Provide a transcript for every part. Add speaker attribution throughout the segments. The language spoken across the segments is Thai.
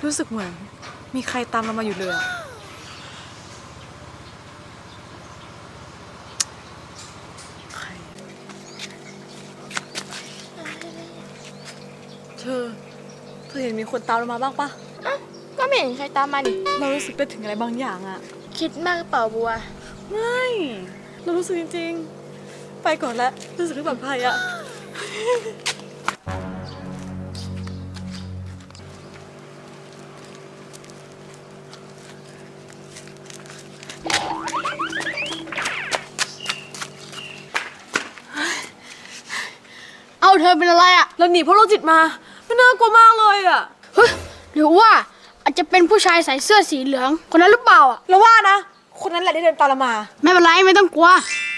Speaker 1: รู้สึกเหมือนมีใครตามเรามาอยู่เลยใครเธอเห็นมีคนตามเรามาบ้างปะ
Speaker 2: ก็ไม่เห็นใครตามมาดิ
Speaker 1: เรารู้สึกไปถึงอะไรบางอย่างอะ
Speaker 2: คิดมากเปล่าบัว
Speaker 1: ไม่เรารู้สึกจริงๆไปก่อนแล้วรู้สึกไม่ปลอดภัยอะ
Speaker 2: เอาเธอเป็นอะไรอ่ะ
Speaker 1: เราหนีพวกโรคจิตมาไม่น่ากลัวมากเลยอะ
Speaker 2: เฮ้ยหรือว่าอาจจะเป็นผู้ชายใส่เสื้อสีเหลืองคนนั้นหรือเปล่าอ่ะ
Speaker 1: เราว่านะคนนั้นแหละที่เดินตามเรามา
Speaker 2: ไม่เป็นไรไม่ต้องกลัว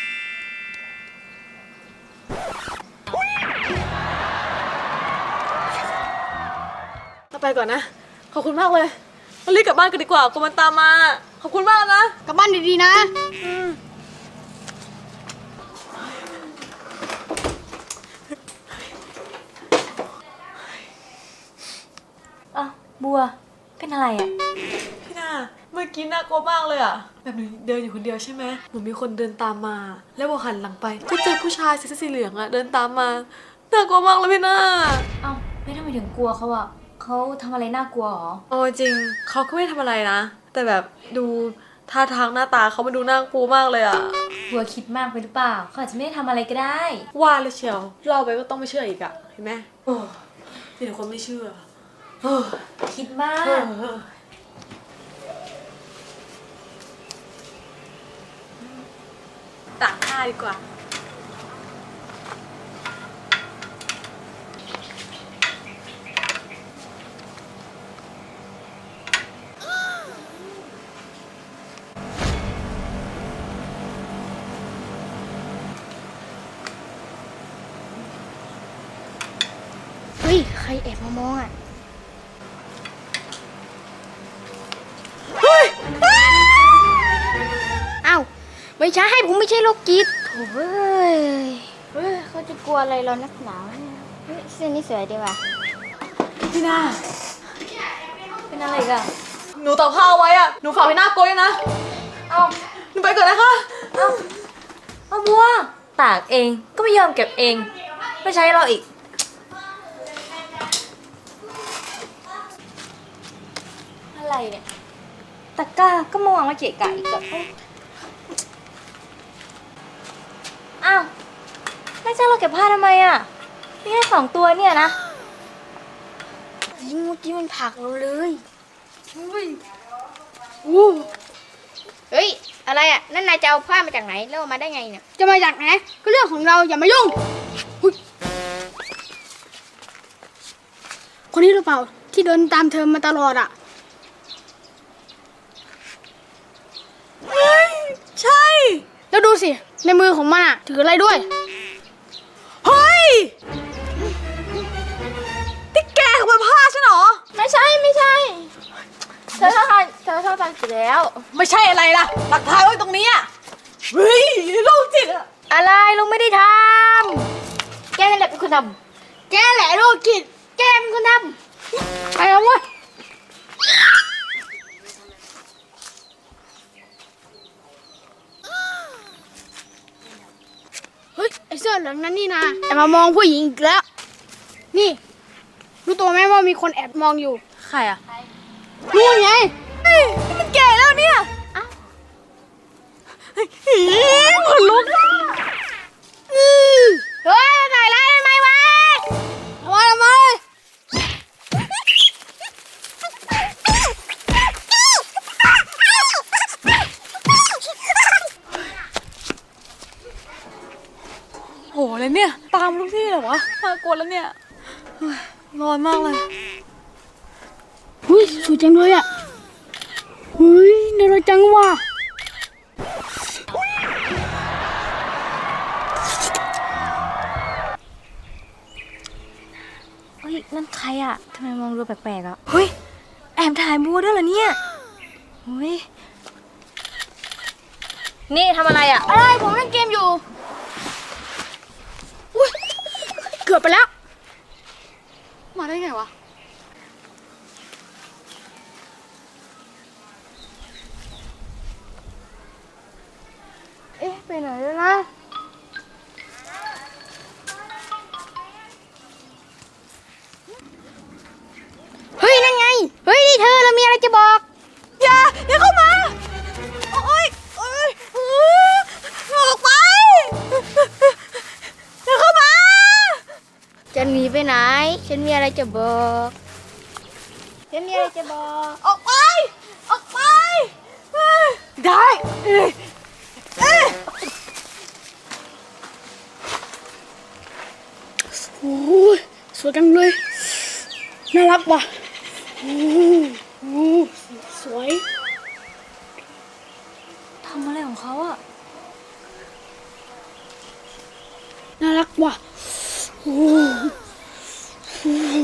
Speaker 1: เราไปก่อนนะขอบคุณมากเลยเรารีบกลับบ้านกันดีกว่าคนมันตามมาขอบคุณมากนะ
Speaker 2: กลับบ้านดีๆนะ
Speaker 3: บัวเป็นอะไรอ่ะ
Speaker 1: พี่นาเมื่อกี้น่ากลัวมากเลยอ่ะแบบหนูเดินอยู่คนเดียวใช่ไหมหนูมีคนเดินตามมาแล้วพอหันหลังไปก็เจอผู้ชายใส่เสื้อสีเหลืองอ่ะเดินตามมาน่ากลัวมากเลยพี่นา
Speaker 3: เอ้าไม่ทำไมถึงกลัวเขาอ่ะเขาทำอะไรน่ากลัวหรอ
Speaker 1: โอ้จริงเขาก็ไม่ทำอะไรนะแต่แบบดูท่าทางหน้าตาเขามาดูน่ากลัวมากเลยอ่ะ
Speaker 3: บัวคิดมากไปหรือเปล่าเขาอาจจะไม่ได้ทำอะไรก็ได้
Speaker 1: ว่าเลยเชียวเล่าไปก็ต้องไม่เชื่ออีกอ่ะเห็นไหมโอ้มีแต่คนไม่เชื่อ
Speaker 3: คิดมาก
Speaker 1: ตากผ้าดีกว่า
Speaker 2: เฮ้ยใครแอบมามองอ่ะอ้าวไม่ใช่ผมไม่ใช่โรคจิตโถ่เฮ้ยเขาจะกลัวอะไรเรานักหนาเนี่ยเฮ้ยเสื้อนี้สวยดีว่ะ
Speaker 1: พี่นา
Speaker 3: เป็นอะไรกัน
Speaker 1: หนูตากผ้าเอาไว้อ่ะหนูฝากพี่นาโกยนะ
Speaker 3: เอา
Speaker 1: หนูไปก่อนนะคะ
Speaker 3: เอาบัวตากเองก็ไม่ยอมเก็บเองไม่ใช้เราอีกอะไรเนี่ยตะกร้าก็มาวางมาเกะกะอีกแบบอ้าวไม่ใช่เราเก็บผ้าทำไมอ่ะมีแค่2 ตัวเนี่ยนะ
Speaker 2: ยิงเมื่อกี้มันผลักเราเลยเฮ้ยอะไรอ่ะนั่นนายจะเอาผ้ามาจากไหนแล้วมาได้ไงเนี่ยจะมาจากไหนก็เรื่องของเราอย่ามายุ่งคนนี้หรือเปล่าที่เดินตามเธอมาตลอดอ่ะ
Speaker 1: ใช่
Speaker 2: แล้วดูสิในมือของมันอ่ะถืออะไรด้วย
Speaker 1: เฮ้ยที่แกขโมยผ้าฉันเหรอ
Speaker 2: ไม่ใช่เธอท่าทางเสร็จแล้ว
Speaker 1: ไม่ใช่อะไรล่ะหลักฐานไว้ตรงนี้อ่ะเฮ้ยโรคจิตอะ
Speaker 2: อะไรลุงไม่ได้ทำแกนั่นแหละเป็นคนทำแกแหละโรคจิตแกเป็นคนทำไปแล้วเว้ยเฮ้ยไอเสื้อเหลืองนั้นนี่นะแอบมามองผู้หญิงอีกแล้วนี่รู้ตัวไหมว่ามีคนแอบมองอยู่
Speaker 1: ใครอะ
Speaker 2: รู้ไง
Speaker 1: มันแก่แล้วเนี่ยคนลุก
Speaker 2: เฮ้ยใส่ร้ายทำไมวะทำไม
Speaker 1: โหเลยเนี่ยตามทุกที่เลยวะน่ากลัวแล้วเนี่ยร้อนมากเลย
Speaker 2: หุ้ยสวยจังเลยอ่ะเฮ้ยน่ารักจังว่ะ
Speaker 3: เฮ้ยนั่นใครอ่ะทำไมมองดูแปลกๆอ่ะเฮ้ยแอบถ่ายบัวด้วยเหรอเนี่ยเฮ้ยนี่ทำอะไรอ่ะ
Speaker 2: อะไรผมเล่นเกมอยู่อุ้ยเกือบไปแล้ว
Speaker 1: มาได้ไงวะ
Speaker 2: ไปไหนแล้วนะ เฮ้ย นั่นไง เฮ้ย นี่เธอเรามีอะไรจะบอก
Speaker 1: อย่าเข้ามา โอ๊ยออกไป อย่าเข้ามา
Speaker 2: จะหนีไปไหน ฉันมีอะไรจะบอก ฉันมีอะไรจะบอก
Speaker 1: ออกไป ออกไป ได้เอ้ย
Speaker 2: โอ้ยสวยจังเลย น่ารักว่ะโอ้โหสวย
Speaker 3: ทำอะไรของเขาอะ
Speaker 2: น่ารักว่ะโอ้โห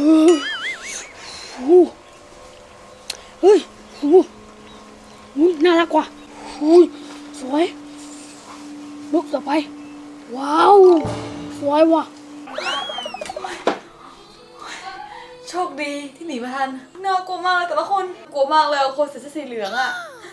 Speaker 2: เฮ้ยโอ้โหน่ารักว่ะโอ้ยสวยลุกต่อไป ว้าว สวยว่ะ
Speaker 1: โชคดีที่หนีมาทัน น่ากลัวมากเลยแต่ละคน กลัวมากเลยคนใส่เสื้อสีเหลืองอะ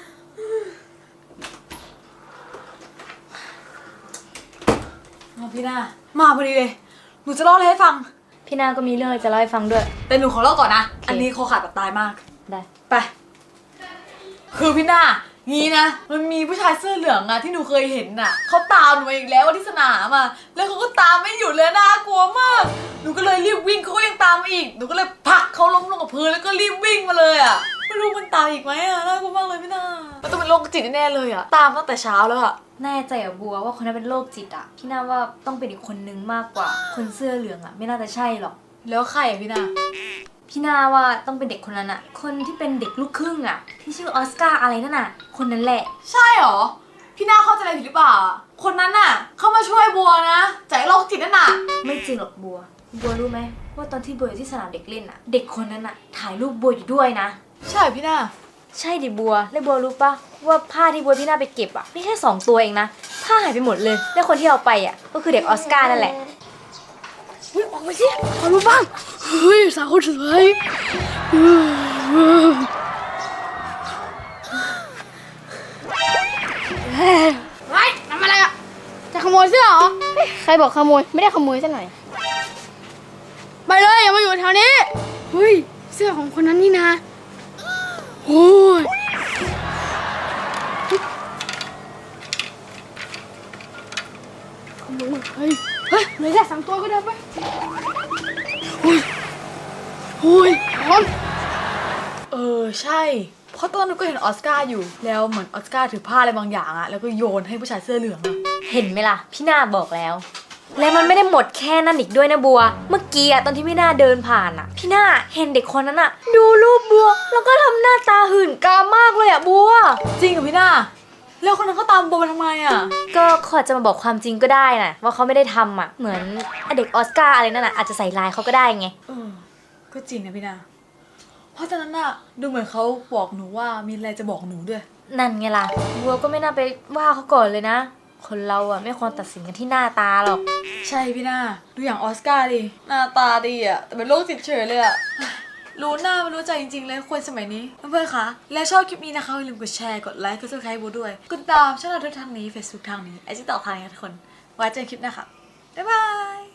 Speaker 1: พี่นามาพอดีเลย หนูจะเล่าอะไรให้ฟัง
Speaker 3: พี่นาก็มีเรื่องอะไรจะเล่าให้ฟังด้วย
Speaker 1: แต่หนูขอเล่าก่อนนะ อันนี้คอขาดแบบตายมาก
Speaker 3: ได้
Speaker 1: ไป คือพี่นางี้นะ มันมีผู้ชายเสื้อเหลืองอะที่หนูเคยเห็นน่ะเขาตามหนูมาอีกแล้วที่สนามอะแล้วเขาก็ตามไม่หยุดเลยน่ากลัวมาก หนูก็เลยรีบวิ่งเขาก็ยังตามมาอีก หนูก็เลยผลักเขาล้มลงกับพื้นแล้วก็รีบวิ่งมาเลยอะไม่รู้มันตามอีกไหมอะน่ากลัวมากเลยพี่นามันต้องเป็นโรคจิตแน่ๆเลยอะตามตั้งแต่เช้าแล้วอะ
Speaker 3: แน่ใจอะบัวว่าคนนั้นเป็นโรคจิตอะพี่นาว่าต้องเป็นอีกคนนึงมากกว่า คนเสื้อเหลืองอะไม่น่าจะใช่หรอก
Speaker 1: แล้วใครอะพี่นา
Speaker 3: พี่นาว่าต้องเป็นเด็กคนนั้นอะคนที่เป็นเด็กลูกครึ่งอะที่ชื่อออสการ์อะไรนั่นอะคนนั้นแหละ
Speaker 1: ใช่หรอ พี่นาเข้าใจอะไรผิดหรือเปล่าอะคนนั้นน่ะเข้ามาช่วยบัวนะจากโรคจิตนั่นน่ะ
Speaker 3: ไม่จริงหรอกบัว บัวรู้ไหมว่าตอนที่บัวอยู่ที่สนามเด็กเล่นอะเด็กคนนั้นอะถ่ายรูปบัวอยู่ด้วยนะ
Speaker 1: ใช่เหรอพี่นา
Speaker 3: ใช่ดิบัว แล้วบัวรู้ปะว่าผ้าที่บัวพี่นาไปเก็บอะไม่ใช่2 ตัวเองนะผ้าหายไปหมดเลย แล้วคนที่เอาไปอะก็คือเด็กออสการ์นั่นแหละ
Speaker 2: เฮ้ยออกไปสิขอรู้บ้าง เฮ้ย สาวคนสวยเฮ้ยทำอะไรอ่ะ จะขโมยเสื้อเหรอ ใครบอกขโมย ไม่ได้ขโมยซะหน่อย ไปเลยอย่ามาอยู่แถวนี้ เฮ้ย เสื้อของคนนั้นนี่นะโอ้ยขโมยเฮ้ย เฮ้ยเหลือแค่3 ตัวก็ได้ไปโอ้ยโอ้ยร้อน
Speaker 1: ใช่ เพราะตอนนั้นหนูก็เห็นออสการ์อยู่ แล้วเหมือนออสการ์ถือผ้าอะไรบางอย่างอะแล้วก็โยนให้ผู้ชายเสื้อเหลืองอะ
Speaker 3: เห็นไหมล่ะ พี่นาบอกแล้ว และมันไม่ได้หมดแค่นั้นอีกด้วยนะบัว เมื่อกี้อะตอนที่พี่นาเดินผ่านอะพี่นาเห็นเด็กคนนั้นอะดูรูปบัว แล้วก็ทำหน้าตาหื่นกามมากเลยอะบัว
Speaker 1: จริงเหรอพี่นาแล้วคนนั้นเขาตามโบมาทำไมอะ
Speaker 3: ก็เขาอาจจะมาบอกความจริงก็ได้นะว่าเขาไม่ได้ทำอะเหมือนเด็กออสการ์อะไรนั่นอะอาจจะใส่ลายเขาก็ได้ไง
Speaker 1: ก็จริงนะพี่นาเพราะตอนนั้นอะดูเหมือนเขาบอกหนูว่ามีอะไรจะบอกหนูด้วย
Speaker 3: นั่นไงล่ะ บัวก็ไม่น่าไปว่าเขาก่อนเลยนะ คนเราอะไม่ควรตัดสินกันที่หน้าตาหรอก
Speaker 1: ใช่พี่นาดูอย่างออสการ์ดิหน้าตาดีอะแต่เป็นโรคจิตเฉยเลยอะรู้หน้าไม่รู้ใจจริงๆเลยคนสมัยนี้เพื่อนๆคะและชอบคลิปนี้นะคะอย่าลืมกดแชร์กดไลค์กดซับสไครต์บูด้วยกดตามช่องเราทุกทางนี้ Facebook ทางนี้ไอจีต่อทางนี้ทุกคนไว้เจอกันคลิปหน้าค่ะบ๊ายบาย